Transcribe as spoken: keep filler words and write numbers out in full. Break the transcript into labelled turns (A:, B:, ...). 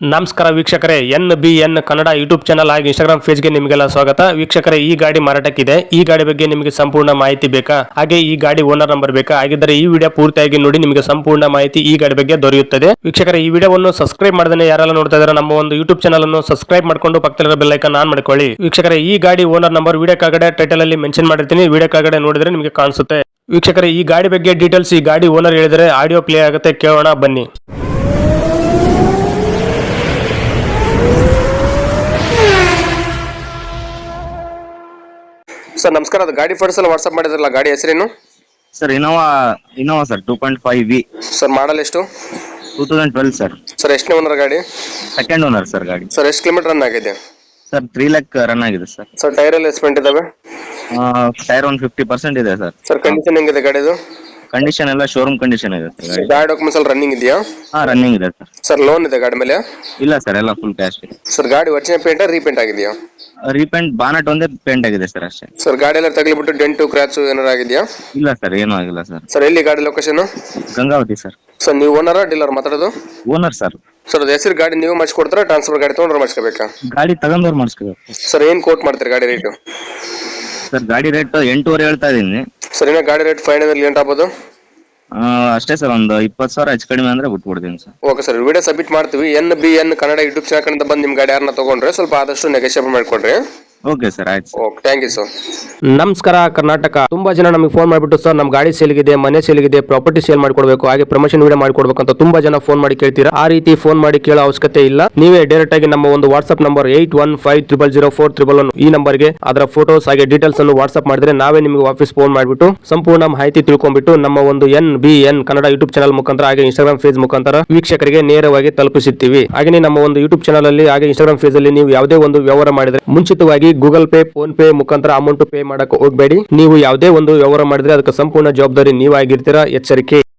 A: ನಮಸ್ಕಾರ ವೀಕ್ಷಕರೇ, N B N Kannada YouTube channel ಹಾಗೂ ಇನ್ಸ್ಟಾಗ್ರಾಮ್ ಪೇಜ್ಗೆ ನಿಮಗೆಲ್ಲ ಸ್ವಾಗತ. ವೀಕ್ಷಕರೇ, ಈ ಗಾಡಿ ಮಾರಾಟಕ್ಕಿದೆ. ಈ ಗಾಡಿ ಬಗ್ಗೆ ನಿಮಗೆ ಸಂಪೂರ್ಣ ಮಾಹಿತಿ ಬೇಕಾ, ಹಾಗೆ ಈ ಗಾಡಿ ಓನರ್ ನಂಬರ್ ಬೇಕಾ? ಹಾಗಿದ್ದರೆ ಈ ವಿಡಿಯೋ ಪೂರ್ತಿಯಾಗಿ ನೋಡಿ, ನಿಮಗೆ ಸಂಪೂರ್ಣ ಮಾಹಿತಿ ಈ ಗಾಡಿ ಬಗ್ಗೆ ದೊರೆಯುತ್ತದೆ. ವೀಕ್ಷಕರೇ, ಈ ವಿಡಿಯೋವನ್ನು ಸಬ್ಸ್ಕ್ರೈಬ್ ಮಾಡದೇ ಯಾರೆಲ್ಲ ನೋಡ್ತಾ ಇದ್ದಾರೆ ನಮ್ಮ ಒಂದು ಯೂಟ್ಯೂಬ್ ಚಾನಲ್ ಅನ್ನು ಸಬ್ಸ್ಕ್ರೈಬ್ ಮಾಡ್ಕೊಂಡು ಪಕ್ಕದಲ್ಲಿರೋ ಬೆಲ್ ಐಕಾನ್ ಆನ್ ಮಾಡ್ಕೊಳ್ಳಿ. ವೀಕ್ಷಕರೇ, ಈ ಗಾಡಿ ಓನರ್ ನಂಬರ್ ವಿಡಿಯೋ ಕೆಳಗಡೆ ಟೈಟಲ್ ಅಲ್ಲಿ ಮೆನ್ಷನ್ ಮಾಡಿರ್ತೀನಿ, ವಿಡಿಯೋ ಕೆಳಗಡೆ ನೋಡಿದ್ರೆ ನಿಮಗೆ ಕಾಣಿಸುತ್ತೆ. ವೀಕ್ಷಕರೇ, ಈ ಗಾಡಿ ಬಗ್ಗೆ ಡೀಟೇಲ್ಸ್ ಈ ಗಾಡಿ ಓನರ್ ಹೇಳಿದರೆ ಆಡಿಯೋ ಪ್ಲೇ ಆಗುತ್ತೆ, ಕೇಳೋಣ ಬನ್ನಿ. ಸರ್ ನಮಸ್ಕಾರ, ಅದು ಗಾಡಿ ಫೋಟೋಸ್ ಎಲ್ಲ ವಾಟ್ಸ್ಆಪ್ ಮಾಡಿದ್ರಲ್ಲ, ಗಾಡಿ ಹೆಸರೇನು?
B: Sir Innova Innova sir two point five V
A: sir model ಎಷ್ಟು?
B: Two thousand twelve sir.
A: Sir ಎಷ್ಟನೇ ಓನರ್ ಗಾಡಿ?
B: ಸೆಕೆಂಡ್ ಓನರ್ ಸರ್ ಗಾಡಿ.
A: ಸರ್ ಎಷ್ಟು ಕಿಲೋಮೀಟರ್ ರನ್ ಆಗಿದೆ?
B: ಸರ್ ತ್ರೀ ಲ್ಯಾಕ್ ರನ್ ಆಗಿದೆ ಸರ್.
A: ಸರ್ ಟೈರ್ ಎಲ್ಲ ಎಸ್ಪೆಂಟ್ ಇದಾವೆ?
B: ಟೈರ್ ಒಂದು ಫಿಫ್ಟಿ ಪರ್ಸೆಂಟ್ ಇದೆ ಸರ್.
A: ಸರ್ ಕಂಡೀಷನ್ ಹೆಂಗಿದೆ ಗಾಡಿದು?
B: ಕಂಡೀಷನ್ ಎಲ್ಲ ಶೋರೂಮ್ ಕಂಡೀಷನ್ ಇದೆ ಸರ್ ಗಾಡಿ.
A: ಗಾಡಿ ಡಾಕ್ಯುಮೆಂಟ್ಸ್ ಎಲ್ಲ ರನ್ನಿಂಗ್ ಇದೆಯಾ?
B: ಹಾ ರನ್ನಿಂಗ್ ಇದೆ ಸರ್.
A: ಸರ್ ಲೋನ್ ಇದೆ ಗಾಡಿ ಮೇಲೆ?
B: ಇಲ್ಲ ಸರ್, ಎಲ್ಲ ಫುಲ್ ಕ್ಯಾಶ್ ಇದೆ.
A: ಸರ್ ಗಾಡಿ ಒರಿಜಿನಲ್ ಪೇಂಟ್ ರೀಪೇಂಟ್ ಆಗಿದೆಯಾ?
B: ರೀಪೇಂಟ್ ಬಾನಟ್ ಒಂದೇ ಪೇಂಟ್ ಆಗಿದೆ ಸರ್ ಅಷ್ಟೇ.
A: ಸರ್ ಗಾಡಿ ಎಲ್ಲ ತಗಲಿಬಿಟ್ಟು ಡೆಂಟು ಕ್ರಾಚ್ ಏನಾರು ಆಗಿದೆಯಾ?
B: ಇಲ್ಲ ಸರ್, ಏನೂ ಆಗಿಲ್ಲ ಸರ್.
A: ಸರ್ ಎಲ್ಲಿ ಗಾಡಿ ಲೊಕೇಶನ್?
B: ಗಂಗಾವತಿ ಸರ್.
A: ಸರ್ ನೀವು ಓನರ ಡೀಲರ್ ಮಾತಾಡೋದು?
B: Owner sir.
A: ಸರ್ ಅದು ಹೆಸರು ಗಾಡಿ ನೀವು ಮಾಡಿಸ್ಕೊಡ್ತಾರಾ, ಟ್ರಾನ್ಸ್ಫರ್ ಗಾಡಿ ತೊಗೊಂಡ್ರೆ ಮಾಡಿಸ್ಕೋಬೇಕಾ?
B: ಗಾಡಿ ತಗೊಂಡವ್ರು ಮಾಡಿಸ್ಕೋಬೇಕು.
A: ಸರ್ ಏನು ಕೋಟ್ ಮಾಡ್ತೀರಿ ಗಾಡಿ ರೇಟು?
B: ಸರ್ ಗಾಡಿ ರೇಟ್ ಎಂಟೂವರೆ ಹೇಳ್ತಾ ಇದೀನಿ.
A: ಸರ್ ಏನೋ ಗಾಡಿ ರೇಟ್ ಫೈನಲ್ ಎಂಟು ಆಗ್ಬೋದು?
B: ಅಷ್ಟೇ ಸರ್, ಒಂದು ಇಪ್ಪತ್ತು ಸಾವಿರ ಹೆಚ್ಚು ಕಡಿಮೆ ಅಂದ್ರೆ ಬಿಟ್ಬಿಡ್ತೀನಿ sir.
A: Okay sir, video submit ಮಾಡ್ತೀವಿ. N B N Kannada YouTube channel ಕಡೆಯಿಂದ ಬಂದು ನಿಮ್ಮ ಗಾಡಿ ಯಾರನ್ನ ತಗೊಂಡ್ರೆ ಸ್ವಲ್ಪ ಆದಷ್ಟು ನೆಗೋಷಿಯೇಟ್ ಮಾಡಿಕೊಡ್ರಿ.
B: ಓಕೆ ಸರ್, ಆಯ್ತು.
A: Okay, thank you sir. ನಮಸ್ಕಾರ ಕರ್ನಾಟಕ. ತುಂಬಾ ಜನ ನಮಗೆ ಫೋನ್ ಮಾಡಿಬಿಟ್ಟು ಸರ್ ನಮ್ಮ ಗಾಡಿ ಸೇಲ್ಗಿದೆ, ಮನೆ ಸೇಲ್ಗಿದೆ, ಪ್ರಾಪರ್ಟಿ ಸೇಲ್ ಮಾಡ್ಕೊಡ್ಬೇಕು, ಹಾಗೆ ಪ್ರಮೋಷನ್ ವಿಡಿಯೋ ಮಾಡ್ಕೊಡ್ಬೇಕು ಅಂತ ತುಂಬಾ ಜನ ಫೋನ್ ಮಾಡಿ ಕೇಳ್ತೀರಾ. ಆ ರೀತಿ ಫೋನ್ ಮಾಡಿ ಕೇಳೋ ಅವಶ್ಯಕತೆ ಇಲ್ಲ. ನೀವೇ ಡೈರೆಕ್ಟ್ ಆಗಿ ನಮ್ಮ ಒಂದು WhatsApp number eight one five triple zero four triple one ಈ ನಂಬರ್ಗೆ ಅದರ ಫೋಟೋಸ್ ಹಾಗೆ ಡೀಟೇಲ್ಸ್ ಅನ್ನು ವಾಟ್ಸ್ಆಪ್ ಮಾಡಿದ್ರೆ ನಾವೇ ನಿಮಗೆ ವಾಪಸ್ ಫೋನ್ ಮಾಡಿಬಿಟ್ಟು ಸಂಪೂರ್ಣ ಮಾಹಿತಿ ತಿಳ್ಕೊಂಡ್ಬಿಟ್ಟು ನಮ್ಮ ಒಂದು N B N Kannada YouTube channel ಮುಖಾಂತರ ಹಾಗೆ ಇನ್ಸ್ಟಾಗ್ರಾಮ್ ಪೇಜ್ ಮುಖಾಂತರ ವೀಕ್ಷಕರಿಗೆ ನೇರವಾಗಿ ತಲುಪಿಸುತ್ತೀವಿ. ಹಾಗೆ ನಮ್ಮ ಒಂದು ಯೂಟ್ಯೂಬ್ ಚಾನಲ್ ಅಲ್ಲಿ ಹಾಗೆ ಇನ್ಸ್ಟಾಗ್ರಾಮ್ ಪೇಜ್ ಅಲ್ಲಿ ನೀವು ಯಾವುದೇ ಒಂದು ವ್ಯವಹಾರ ಮಾಡಿದ್ರೆ ಮುಂಚಿತವಾಗಿ ಗೂಗಲ್ ಪೇ, ಫೋನ್ ಪೇ ಮುಖಾಂತರ ಅಮೌಂಟ್ ಪೇ ಮಾಡಕ್ಕೆ ಹೋಗಬೇಡಿ. ನೀವು ಯಾವುದೇ ಒಂದು ವ್ಯವಹಾರ ಮಾಡಿದ್ರೆ ಅದಕ್ಕೆ ಸಂಪೂರ್ಣ ಜವಾಬ್ದಾರಿ ನೀವಾಗಿರ್ತೀರಾ, ಎಚ್ಚರಿಕೆ.